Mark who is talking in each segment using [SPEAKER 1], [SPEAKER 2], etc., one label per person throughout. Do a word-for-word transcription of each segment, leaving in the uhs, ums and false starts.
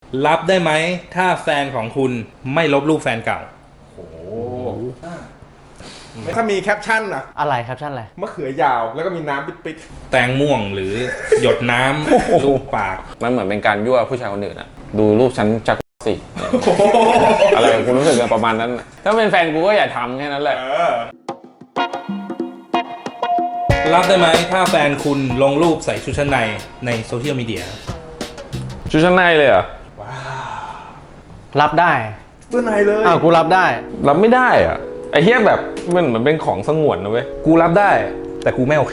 [SPEAKER 1] รับได้ไหมถ้าแฟนของคุณไม่ลบรูปแฟนเก่า
[SPEAKER 2] โอ้ถ้ามีแคปชั่นอะ
[SPEAKER 3] อะไรแคปชั่นอะไร
[SPEAKER 2] มะเขือยาวแล้วก็มีน้ำปิด
[SPEAKER 1] ๆแตงม่วงหรือหยดน้ำรูปปาก
[SPEAKER 4] มันเหมือนเป็นการยั่วผู้ชายคนอื่นอะดูรูปฉันจักสิอะไรกูรู้สึกประมาณนั้นถ้าเป็นแฟนกูก็อย่าทำแค่นั้นแหละ
[SPEAKER 1] รับได้ไหมถ้าแฟนคุณลงรูปใส่ชุดชั้นในในโซเชียลมีเดีย
[SPEAKER 4] ชุดชั้นในเลยเหรอ
[SPEAKER 3] ว้าวรับได้
[SPEAKER 2] ตัวในเลย
[SPEAKER 3] อ้าวกูรับได้
[SPEAKER 4] รับไม่ได้อะไอ้เหี้ยแบบมันเหมือนเป็นของสงวนนะเว้ย
[SPEAKER 1] กูรับได้แต่กูไม่โอเค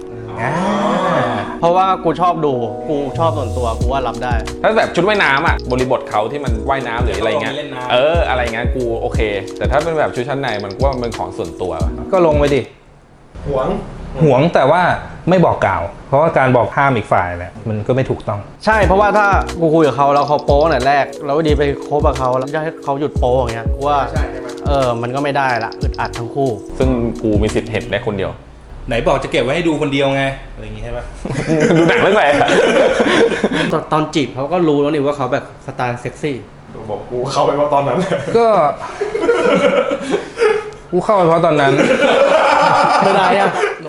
[SPEAKER 3] เพราะว่ากูชอบดูกูชอบส่วนตัวกูว่ารับได้
[SPEAKER 4] ถ้าแบบชุดว่ายน้ำอ่ะบริบทเขาที่มันว่ายน้ำหรืออะไรเงี้ยเอออะไรเงี้ยกูโอเคแต่ถ้าเป็นแบบชุดชั้นในมันก็ว่ามันเป็นของส่วนตัว
[SPEAKER 1] ก็ลงไปดิ
[SPEAKER 2] หวง
[SPEAKER 1] หวงแต่ว่าไม่บอกกล่าวเพราะว่าการบอกห้ามอีกฝ่ายแหละมันก็ไม่ถูกต้อง
[SPEAKER 3] ใช่เพราะว่าถ้ากูคุยกับเขาแล้วเขาโป๊ตั้งแต่แรกแล้วดีไปคบกับเขาแล้วจะให้เขาหยุดโป๊อย่างเงี้ยว่าเออมันก็ไม่ได้ละอึดอัดทั้งคู่
[SPEAKER 4] ซึ่งกูมีสิทธิ์เห็นได้คนเดียว
[SPEAKER 1] ไหนบอกจะเก็บไว้ให้ดูคนเดียวไงอะไรอย่างงี้ใช่ปะ
[SPEAKER 4] ดูหนังเรื่องอะไร
[SPEAKER 3] ตอนจีบเขาก็รู้แล้วนี่ว่าเขาแบบสไตล์เซ็กซี่
[SPEAKER 2] บอกกูเข้าไปว่าตอนนั้น
[SPEAKER 1] ก็กูเข้าไปเพราะตอนนั้น
[SPEAKER 3] ไม่ได้อะ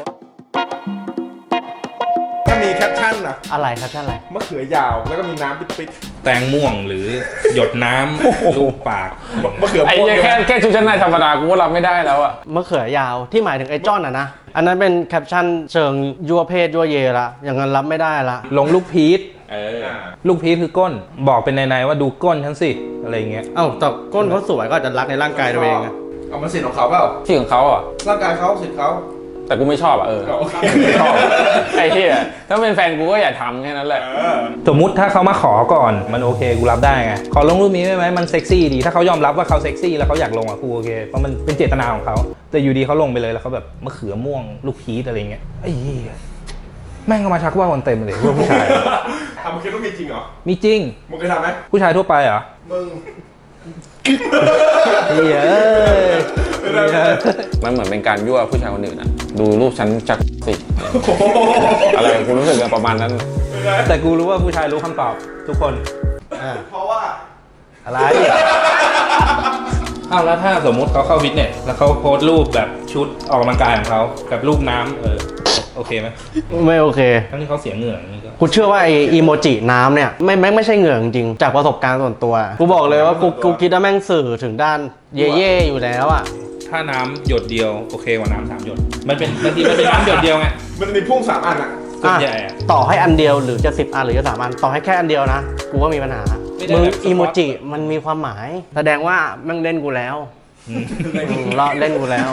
[SPEAKER 2] ถ้ามีแคปชั่นอะ
[SPEAKER 3] อะไรแคปชั่นอะไร
[SPEAKER 2] มะเขือยาวแล้วก็มีน้ำปิด
[SPEAKER 1] ๆแตงม่วงหรือหยดน้ำรูปปาก
[SPEAKER 2] มะเขือ
[SPEAKER 4] ไอ้แค่แค่ชุดชั้นในธรรมดากูก็รับไม่ได้แล้วอะ
[SPEAKER 3] มะเขือยาวที่หมายถึงไอ้จ้อนอะนะอันนั้นเป็นแคปชั่นเชิงยั่วเพศยั่วเยละอย่างนั้นรับไม่ได้ละ
[SPEAKER 1] ลงลูกพีชลูกพีชคือก้นบอกเป็นในๆว่าดูก้นฉันสิอะไรเงี้ย
[SPEAKER 3] เอ้าแต่ก้นเขาสวยก็จะรักในร่างกายตัวเองไง
[SPEAKER 2] เอามันสิทธิ์ของเขาเปล่า
[SPEAKER 4] ที่ของเขาอ่ะ
[SPEAKER 2] ร่างกายเขาสิทธิ์เขา
[SPEAKER 4] แต่กูไม่ชอบอ่ะเออไม่ชอบไอ้เหี้ยถ้าเป็นแฟนกูก็อย่าทำแค่นั้นแหละ
[SPEAKER 1] สมมุติถ้าเขามาขอก่อนมันโอเคกูรับได้ไงขอลงรูปนี้ได้ไหมมันเซ็กซี่ดีถ้าเขายอมรับว่าเขาเซ็กซี่แล้วเขาอยากลงอ่ะกูโอเคเพราะมันเป็นเจตนาของเขาแต่อยู่ดีเขาลงไปเลยแล้วเขาแบบมะเขือม่วงลูกพีชอะไรเงี้ยไอ้เหี้ยแม่งก็มาชักว่าคนเต็มเลยพวกผู้ชาย
[SPEAKER 2] ทำมึงคิดว่ามีจริงเหรอ
[SPEAKER 1] มีจริง
[SPEAKER 2] มึงเคยทำไหม
[SPEAKER 1] ผู้ชายทั่วไปเหรอ
[SPEAKER 2] มึง
[SPEAKER 1] เฮ้ย
[SPEAKER 4] มันเหมือนเป็นการยั่วผู้ชายคนอื่นอะดูรูปฉันจักสิอะไรกูรู้สึกประมาณนั้น
[SPEAKER 1] แต่กูรู้ว่าผู้ชายรู้คำตอบทุกคน
[SPEAKER 2] เพราะว่า
[SPEAKER 1] อะไรอ้าวแล้วถ้าสมมุติเขาเข้าฟิตเนสแล้วเขาโพสต์รูปแบบชุดออกกำลังกายของเขากับรูปน้ำเออโอเคไหม
[SPEAKER 3] ไม่โอเค
[SPEAKER 1] ทั้งที่เขาเสียเหงื่ออย่างนี้ก็
[SPEAKER 3] กูเชื่อว่าไออีโมจิน้ำเนี่ยไม่แม่งไม่ใช่เหงื่อจริงจากประสบการณ์ส่วนตัวกูบอกเลยว่ากูกูคิดว่าแม่งสื่อถึงด้านเย่เย่อยู่แล้วอ่ะ
[SPEAKER 1] ถ้าน้ำหยดเดียวโอเคกว่าน้ำสามหยดมันเป็นบางทีมันเป็นน้ำหยดเดียวไง
[SPEAKER 2] มันมีพุ่งสามอันอ่ะ
[SPEAKER 1] ส่วนใหญ่
[SPEAKER 3] ต่อให้อันเดียวหรือจะสิบอันหรือจะสามอันต่อให้แค่อันเดียวนะกูว่ามีปัญหามึงอีโมจิมันมีความหมายแสดงว่าแม่งเล่นกูแล้วเราเล่นกูแล้ว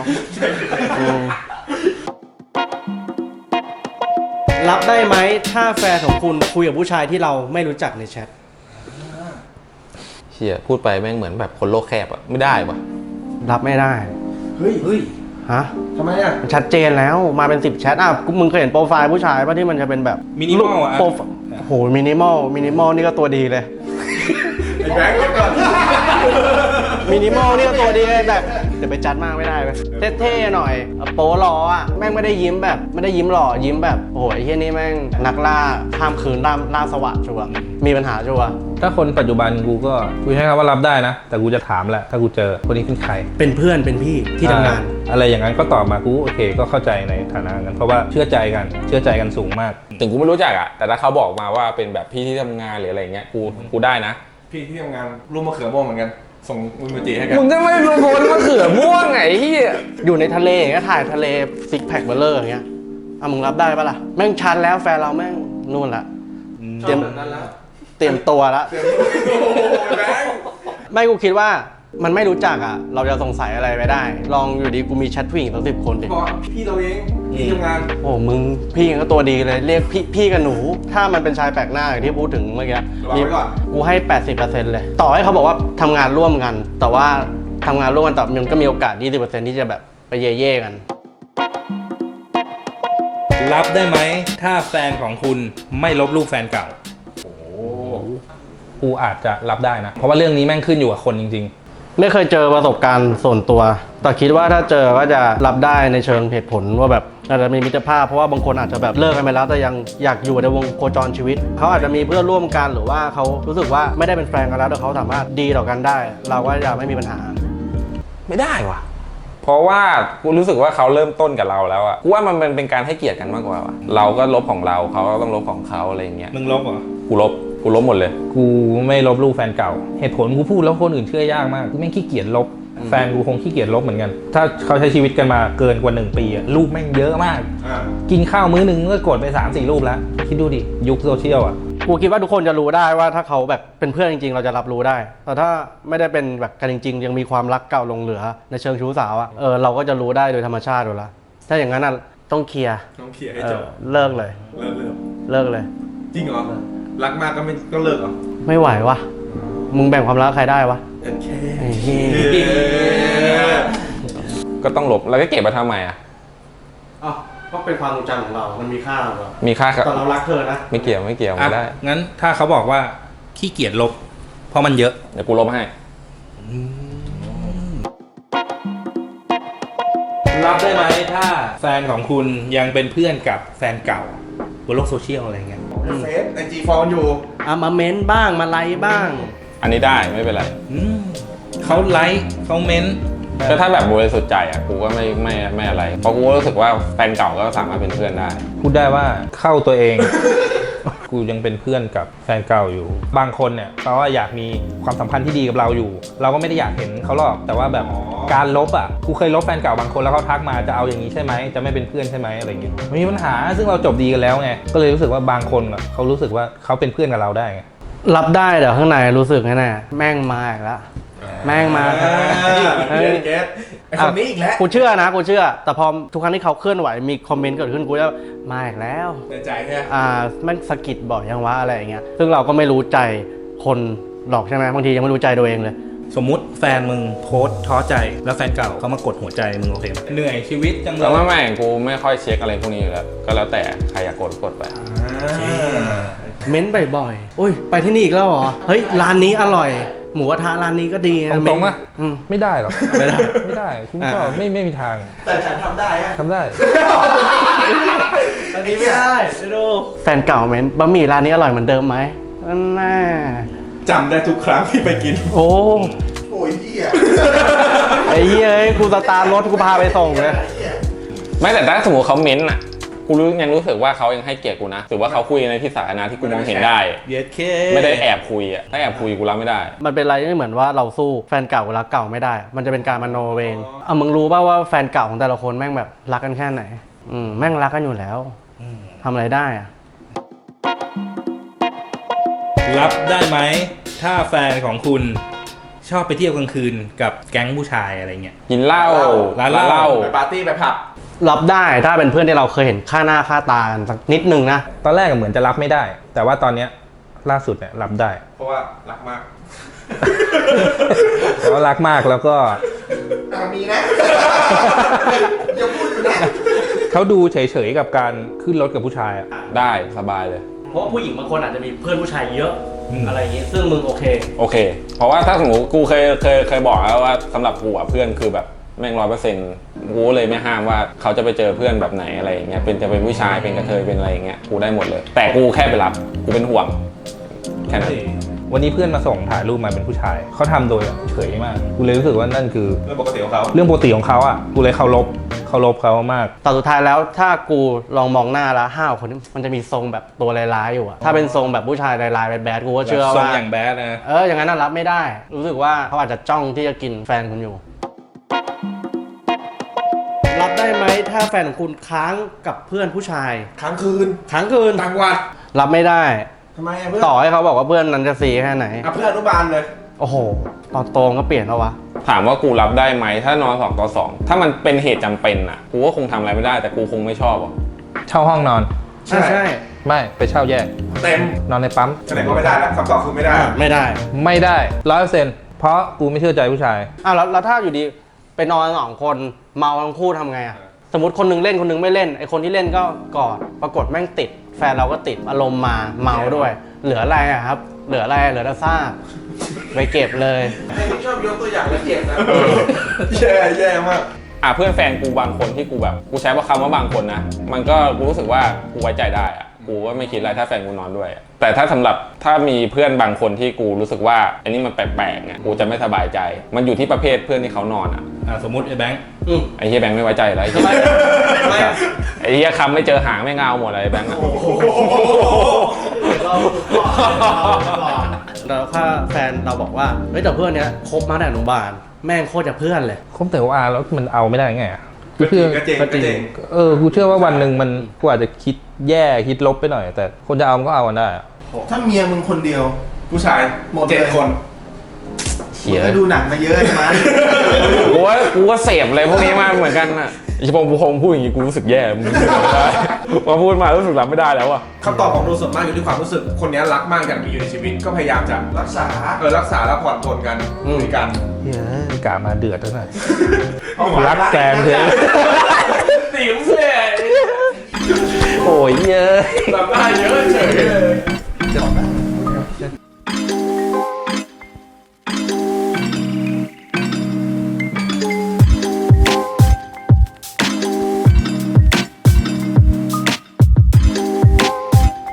[SPEAKER 3] รับได้ไหมถ้าแฟนของคุณคุยกับผู้ชายที่เราไม่รู้จักในแชท
[SPEAKER 4] เชี่ยพูดไปแม่งเหมือนแบบคนโลกแคบอะไม่ได้ปะ
[SPEAKER 3] รับไม่ได้
[SPEAKER 2] เฮ้ยเฮ้ย
[SPEAKER 3] ฮะ
[SPEAKER 2] ทำไมอะ
[SPEAKER 3] ชัดเจนแล้วมาเป็นสิบแชทอ่ะมึงเคยเห็นโปรไฟล์ผู้ชายป่ะที่มันจะเป็นแบบ
[SPEAKER 1] มินิมอลอะ
[SPEAKER 3] โหมินิมอลมินิมอลนี่ก็ตัวดีเลย
[SPEAKER 2] ไอ้แบงค์ก่อน
[SPEAKER 3] มินิมอลนี่ก็ตัวดีเลยแบบเดี๋ยวไปจัดมากไม่ได้ไหมเท่ๆหน่อยโป๊หล่ออ่ะแม่งไม่ได้ยิ้มแบบไม่ได้ยิ้มหล่อยิ้มแบบโอ้โหไอ้เหี้ยนี่แม่งนักล่าข้ามคืนล่าล่าสวัสดิ์ชัวร์มีปัญหาชัวร์
[SPEAKER 1] ถ้าคนปัจจุบันกูก็กูใช้คำว่ารับได้นะแต่กูจะถามแหละถ้ากูเจอคนนี้เป็นใคร
[SPEAKER 3] เป็นเพื่อนเป็นพี่ที่ทำงาน
[SPEAKER 1] อะไรอย่างนั้นก็ตอบมากูโอเคก็เข้าใจในฐานะนั้นเพราะว่าเชื่อใจกันเชื่อใจกันสูงมาก
[SPEAKER 4] ถึงกูไม่รู้จักอ่ะแต่ถ้าเขาบอกมาว่าเป็นแบบพี่ที่ทำงานหรืออะไรเงี้ยกูกูได้นะ
[SPEAKER 2] พี่ที่ทำงานรูปมะเขือม่วงเหมือนกันส่งอิโมจิให้กัน
[SPEAKER 4] มึงจะไม่รู้คนมะเขือม่วงไงที่
[SPEAKER 3] อยู่ในทะเลอย่างเงี้ยถ่ายทะเลซิกแพคเบลเลอร์อย่างเงี้ยอ่ะมึงรับได้ปะล่ะแม่งชันแล้วแฟนเราแม่งนู่นละ
[SPEAKER 2] เตรียมนั้นแล้ว
[SPEAKER 3] เตรียมตัวละไม่กูคิดว่ามันไม่รู้จักอ่ะเราจะสงสัยอะไรไปได้ลองอยู่ดีกูมีแชทผู้หญิงตั้งสิบคนดิ
[SPEAKER 2] พี่เราเองพี่ทำงาน
[SPEAKER 3] โอ้มึงพี่ก็ตัวดีเลยเรียกพี่พี่กับหนูถ้ามันเป็นชายแปลกหน้าอย่างที่พูดถึงเมื่อกี้กูให้ แปดสิบเปอร์เซ็นต์ เลยต่อให้เขาบอกว่าทำงานร่วมกันแต่ว่าทำงานร่วมกันแต่มันก็มีโอกาส ยี่สิบเปอร์เซ็นต์ ที่จะแบบไปเย่ๆกัน
[SPEAKER 1] รับได้ไหมถ้าแฟนของคุณไม่ลบรูปแฟนเก่าโอ้กูอาจจะรับได้นะเพราะว่าเรื่องนี้แม่งขึ้นอยู่กับคนจริงๆ
[SPEAKER 3] ไม่เคยเจอประสบการณ์ส่วนตัว แต่คิดว่าถ้าเจอก็จะรับได้ในเชิงเหตุผลว่าแบบอาจจะมีมิตรภาพเพราะว่าบางคนอาจจะแบบเลิกกันไปแล้วแต่ยังอยากอยู่ในวงโคจรชีวิตเขาอาจจะมีเพื่อนร่วมกันหรือว่าเขารู้สึกว่าไม่ได้เป็นแฟนกันแล้วแต่เขาสามารถดีต่อกันได้ เราก็จะไม่มีปัญหา
[SPEAKER 4] ไม่ได้ว่ะ เพราะว่ากูรู้สึกว่าเขาเริ่มต้นกับเราแล้วอะกูว่ามันเป็นการให้เกียรติกันมากกว่าว่ะเราก็ลบของเราเขาก็ต้องลบของเขาอะไรอย่างเงี้ย
[SPEAKER 1] มึงลบเหรอ
[SPEAKER 4] กูลบกูลบหมดเลย
[SPEAKER 1] กูไม่ลบรูปแฟนเก่า เหตุผลกูพูดแล้วคนอื่นเชื่อยากมากกูแม่งขี้เกียจลบ แฟนกูคงขี้เกียจลบเหมือนกัน ถ้าเขาใช้ชีวิตกันมาเกินกว่าหนึ่งปีอะรูปแม่งเยอะมาก
[SPEAKER 2] อ่า
[SPEAKER 1] กินข้าวมื้อหนึ่งก็กดไป สามสี่ รูปแล้ว คิดดูดิ ยุคโซเชียลอ่ะ
[SPEAKER 3] กูคิดว่าทุกคนจะรู้ได้ว่าถ้าเขาแบบเป็นเพื่อนจริงๆ เราจะรับรู้ได้ แต่ถ้าไม่ได้เป็นแบบกันจริงๆ ยังมีความรักเก่าหลงเหลือในเชิงชู้สาวอะเออเราก็จะรู้ได้โดยธรรมชาติอยู่แล้วถ้าอย่างนั้นอะต้องเคลียร์
[SPEAKER 2] ต้องเคลียร์ให้
[SPEAKER 3] เอ
[SPEAKER 2] จ
[SPEAKER 3] อบ เลิกเลย
[SPEAKER 2] เลิกเลิก
[SPEAKER 3] เลิกเลย
[SPEAKER 2] จริงเหรอ รักมากก็ไม่ก็เลิกเหรอ
[SPEAKER 3] ไม่ไหววะมึงแบ่งความรักใครได้วะ
[SPEAKER 2] โอเค
[SPEAKER 3] ไอ้เหี้ย
[SPEAKER 4] ก็ต้องลบแล้วก็เก็บมาทำไมอะ
[SPEAKER 3] อ้าวก็เป็นความทรงจำของเรา มันมีค่าของเรา
[SPEAKER 4] มีค่ากับ
[SPEAKER 3] ตอนเรารักเธอนะ
[SPEAKER 4] ไม่เกี่ยวไม่เกี่ยวไม่ได้
[SPEAKER 1] งั้นถ้าเขาบอกว่าขี้เกียจลบ เพราะมันเยอะ
[SPEAKER 4] เดี๋ยวกูลบให้
[SPEAKER 1] รับได้ไหมถ้าแฟนของคุณยังเป็นเพื่อนกับแฟนเก่าบนโลกโซเชียลอะไรเงี้ย
[SPEAKER 2] เฟซไอจีฟอลอยู่
[SPEAKER 3] อ่ะมาเม้นบ้างมาไลค์บ้าง
[SPEAKER 4] อันนี้ได้ไม่เป็นไร
[SPEAKER 1] อืมเขาไลค์เขาเม้นต์
[SPEAKER 4] ก็ถ้าแบบบริสุทธิ์ใจอ่ะกูก็ไม่ไม่ไม่อะไร เพราะกูก็รู้สึกว่าแฟนเก่าก็สามารถเป็นเพื่อนได้
[SPEAKER 1] พูดได้ว่าเข้าตัวเอง กูยังเป็นเพื่อนกับแฟนเก่าอยู่ บางคนเนี่ยเขาว่าอยากมีความสัมพันธ์ที่ดีกับเราอยู่ เราก็ไม่ได้อยากเห็นเขาหรอกแต่ว่าแบบการลบอ่ะกูเคยลบแฟนเก่าบางคนแล้วเขาทักมาจะเอาอย่างนี้ใช่ไหมจะไม่เป็นเพื่อนใช่ไหมอะไรเงี้ยไม่มีปัญหาซึ่งเราจบดีกันแล้วไงก็เลยรู้สึกว่าบางคนอ่ะเขารู้สึกว่าเขาเป็นเพื่อนกับเราได้ไง
[SPEAKER 3] รับได้เดี๋ยวข้างในรู้สึกแน่ๆแม่งมาอีกแล้วแม่งมา
[SPEAKER 2] เกตเกตไอคนนี้อีกแล้ว
[SPEAKER 3] กูเชื่อนะกูเชื่อ แต่พอทุกครั้งที่เขาเคลื่อนไหวมีคอมเมนต์เกิดขึ้นกูจะมาอีกแล้ว
[SPEAKER 2] ในใจแค่
[SPEAKER 3] อ่าแม่งสะกิดบ่อยยังวะอะไรอย่างเงี้ยซึ่งเราก็ไม่รู้ใจคนหรอกใช่ไหมบางทียังไม่รู้ใจตัวเองเลย
[SPEAKER 1] สมมุติแฟนมึงโพสต์ท้อใจแล้วแฟนเก่าเขามากดหัวใจมึงโอเคไหมเหนื่อยชีวิตจังเล
[SPEAKER 4] แล้ว
[SPEAKER 1] ย
[SPEAKER 4] ไม่ไม่กูไม่ค่อยเช็คอะไรพวกนี้อยู่แล้วก็แล้วแต่ใครอยากกดกดไป
[SPEAKER 3] เม้นบ่อยๆโอ้ยไปที่นี่อีกแล้วเหรอเฮ้ยร้านนี้อร่อย หมูกระทะร้านนี้ก็ดีนะ
[SPEAKER 1] ตรงๆป่ะ
[SPEAKER 3] อืม
[SPEAKER 1] ไม่ได้หรอก
[SPEAKER 3] ไม่ได้
[SPEAKER 1] ไม่ได้คุณก็
[SPEAKER 3] อ่า
[SPEAKER 1] ไม่ไม่มีทาง
[SPEAKER 2] แต่ฉันทำได้ฮะ
[SPEAKER 1] ทำได้
[SPEAKER 3] อันนี้ไม่ได้ไปดูแฟนเก่าเม้นบะหมี่ร้านนี้อร่อยเหมือนเดิมไหมนั่นแน่
[SPEAKER 2] จำได้ทุกครั้งที่ไปกิน
[SPEAKER 3] โอ้
[SPEAKER 2] โอ้ยเหี้ย
[SPEAKER 3] ไอ้เหี้ยเอ้ยกูสตาร์ทรถกูพาไปส่งเลย
[SPEAKER 4] ไม่แต่ถ้าสมมติเขาเม้นต์อ่ะกูรู้ยังรู้สึกว่าเขายังให้เกียรติกูนะถือว่าเขาคุยในที่สาธารณะที่กูมองเห็นได้
[SPEAKER 1] เย็ดเค
[SPEAKER 4] ไม่ได้แอบคุยอ่ะถ้าแอบคุยกูรับไม่ได้
[SPEAKER 3] มันเป็นอะไรที่เหมือนว่าเราสู้แฟนเก่ากับรักเก่าไม่ได้ มันจะเป็นการมโนเองเอามึงรู้ป่าวว่าแฟนเก่าของแต่ละคนแม่งแบบรักกันแค่ไหน อืมแม่งรักกันอยู่แล้วทำอะไรได้อะ
[SPEAKER 1] รับได้ไหมถ้าแฟนของคุณชอบไปเที่ยวกลางคืนกับแก๊งผู้ชายอะไรเงี้ย
[SPEAKER 4] กินเหล้า
[SPEAKER 1] ร้านเหล้า
[SPEAKER 2] ไปปาร์ตี้ไปผับ
[SPEAKER 3] รับได้ถ้าเป็นเพื่อนที่เราเคยเห็นค่าหน้าค่าตากันสักนิดนึงนะ
[SPEAKER 1] ตอนแรกเหมือนจะรับไม่ได้ แต่ว่าตอนเนี้ยล่าสุดเนี่ยรับได้
[SPEAKER 2] เพราะว่ารักมาก
[SPEAKER 1] เพราะว่ารักมากแล้วก็
[SPEAKER 2] อ่ะมีนะ อย่าพูดอยู่นะ
[SPEAKER 1] เขาดูเฉยๆกับการขึ้นรถกับผู้ชายอะ
[SPEAKER 4] ได้สบายเลย
[SPEAKER 3] เพราะผู้หญิงบางคนอาจจะมีเพื่อนผู้ชายเยอะ
[SPEAKER 1] อืม
[SPEAKER 3] อะไรอย่างงี้ซึ่งมึงโอเค
[SPEAKER 4] โอเค เพราะว่าถ้าสมมติกูเคยเคยเคยบอกแล้วว่าสำหรับกูอ่ะเพื่อนคือแบบแม่งร้อยเปอร์เซ็นต์กูเลยไม่ห้ามว่าเขาจะไปเจอเพื่อนแบบไหนอะไรอย่างเงี้ยเป็นจะเป็นผู้ชายเป็นกระเทยเป็นอะไรอย่างเงี้ยกูได้หมดเลย แต่กูแค่ไปรับกูเป็นห่วงแค่นั้น
[SPEAKER 1] วันนี้เพื่อนมาส่งถ่ายรูปมาเป็นผู้ชายเขาทำโดยเฉยมากกูเลยรู้สึกว่านั่นคือ
[SPEAKER 2] เรื่องปกติของเขา
[SPEAKER 1] เรื่องปกติของเขาอ่ะกูเลยเคารพเคารพเขามาก
[SPEAKER 3] แต่สุดท้ายแล้วถ้ากูลองมองหน้าแล้วห้าวคนนี้มันจะมีทรงแบบตัวร้ายๆอยู่อะถ้าเป็นทรงแบบผู้ชายร้ายๆแบดๆกูก็เชื่อ
[SPEAKER 1] ทรง
[SPEAKER 3] ว่า
[SPEAKER 1] อย่างแบดนะ
[SPEAKER 3] เอออย่างนั้นน่ะรับไม่ได้ รู้สึกว่าเขาอาจจะจ้องที่จะกินแฟนคุณอยู่ รับได้ไหมถ้าแฟนของคุณค้างกับเพื่อนผู้ชาย
[SPEAKER 2] ค้างคืน
[SPEAKER 3] ค้างคืน
[SPEAKER 2] ต่างวัด
[SPEAKER 3] รับไม่ได้
[SPEAKER 2] ทำไมอะเพื่อน
[SPEAKER 3] ต่อให้เขาบอกว่าเพื่อนนั้นจะซีแค่ไหน
[SPEAKER 2] อ่ะเพื่อนอนุบาลเลย
[SPEAKER 3] โอ้โห ตอนโตก็เปลี่ยนแล้ววะ
[SPEAKER 4] ถามว่ากูรับได้ไหมถ้านอนสองต่อสองถ้ามันเป็นเหตุจำเป็นอ่ะกูก็คงทำอะไรไม่ได้แต่กูคงไม่ชอบอ่ะ
[SPEAKER 1] เช่าห้องนอน
[SPEAKER 3] ใช่ใช่
[SPEAKER 1] ไม่ไปเช่าแยก
[SPEAKER 2] เต็ม
[SPEAKER 1] นอนในปั๊ม
[SPEAKER 2] แสดงว่าไม่ได้แล้วคำตอบคือไม่ได้
[SPEAKER 3] ไม่ได้
[SPEAKER 1] ไม่ได้ร้อยเปอร์เซ็นต์เพราะกูไม่เชื่อใจผู้ชาย
[SPEAKER 3] อ้าวแล้วแล้วถ้าอยู่ดีไปนอนสองคนเมาทั้งคู่ทำไงอะสมมติคนหนึงเล่นคนหนึงไม่เล่นไอคนที่เล่นก็กอดปรากฏแม่งติด แฟนเราก็ติดอารมณ์มาเมาด้วยเหลืออะไรอะครับ เหลืออะไรเหลือแต่ซากไปเก็บเลย
[SPEAKER 2] ไอ้ที่ชอบยกตัวอย่างแล้วเก็บนะแย่แย่มาก
[SPEAKER 4] อ่ะเพื่อนแฟนกูบางคนที่กูแบบกูใช้ว่าคำว่าบางคนนะมันก็กูรู้สึกว่ากูไว้ใจได้อะกูก็ไม่คิดอะไรถ้าแฟนกูนอนด้วยอะแต่ถ้าสำหรับถ้ามีเพื่อนบางคนที่กูรู้สึกว่าอันนี้มันแปลกๆเนี่ยกูจะไม่สบายใจ มันอยู่ที่ประเภทเพื่อนที่เขานอนอ่ะ
[SPEAKER 1] อ่าสมมติไอ้แบงค์
[SPEAKER 3] อืม
[SPEAKER 4] ไอ้เฮียแบงค์ไม่ไว้ใจแล้วไอ้เหี้ยไอ้เฮียคำไม่เจอหางไม่เงาหมดเลยไอ้แบงค์อะ
[SPEAKER 3] แล้วถ้าแฟนเราบอกว่าเฮ้ยแต่เพื่อนเนี้ยคบมาแต่อนุบาลแม่งโคตรจะเพื่อนเลย
[SPEAKER 1] คบแต่ว่าแล้วมันเอาไม่ได้ไงอะกูเชื่อ
[SPEAKER 2] ก็เจ๋งก็เจ๋ง
[SPEAKER 1] เออกูเชื่อว่าวันหนึ่งมันกูอาจจะคิดแย่คิดลบไปหน่อย แต่คนจะเอามันก็เอากันได้อะ
[SPEAKER 5] ถ้าเมียมึงคนเดียว
[SPEAKER 2] ผู้ชาย
[SPEAKER 5] หมดเลย
[SPEAKER 2] เจ็ดคน
[SPEAKER 4] เขีย
[SPEAKER 5] มึงก็ดูหนังมาเยอะใช่ไหม
[SPEAKER 4] กูว่ากูก็เสพอะไรพวกนี้มาเหมือนกันอ่ะไอ้พงพงพูดอย่างงี้กูรู้สึกแย่มึงรู้สึกรับไม่ได้พอพูดมารู้สึกรับไม่ได้แล้วอ่ะ
[SPEAKER 2] คำตอบของดูส่วนมากอยู่ที่ความรู้สึกคนนี้รักมากอยากมีอยู่ในชีวิตก็พยายามจะ
[SPEAKER 5] รักษา
[SPEAKER 2] เออรักษาและผ่อนปลนกันคุยกัน
[SPEAKER 1] เฮ้ยกามาเดือดแล้วน่ะรักแฟนเถอะ
[SPEAKER 2] ติ๋มเลย
[SPEAKER 1] โอ้ยเยอะ
[SPEAKER 2] แบบได้เยอะเฉยเลย
[SPEAKER 5] จบแล้ว